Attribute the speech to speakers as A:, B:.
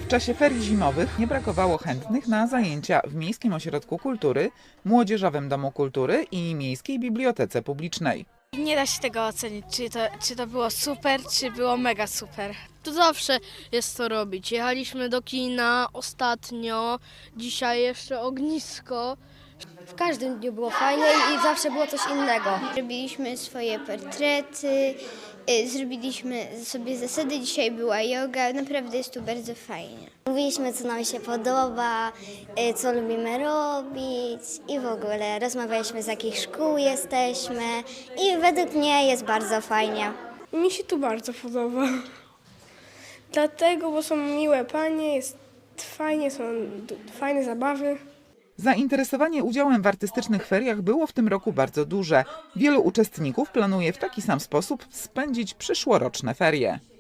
A: W czasie ferii zimowych nie brakowało chętnych na zajęcia w Miejskim Ośrodku Kultury, Młodzieżowym Domu Kultury i Miejskiej Bibliotece Publicznej.
B: Nie da się tego ocenić, czy to było super, czy było mega super.
C: To zawsze jest co robić. Jechaliśmy do kina ostatnio, dzisiaj jeszcze ognisko.
D: W każdym dniu było fajnie i zawsze było coś innego. Robiliśmy swoje portrety, zrobiliśmy sobie zasady, dzisiaj była joga, naprawdę jest tu bardzo fajnie.
E: Mówiliśmy, co nam się podoba, co lubimy robić i w ogóle rozmawialiśmy, z jakich szkół jesteśmy i według mnie jest bardzo fajnie.
F: Mi się tu bardzo podoba. Dlatego, bo są miłe panie, jest fajnie, są fajne zabawy.
A: Zainteresowanie udziałem w artystycznych feriach było w tym roku bardzo duże. Wielu uczestników planuje w taki sam sposób spędzić przyszłoroczne ferie.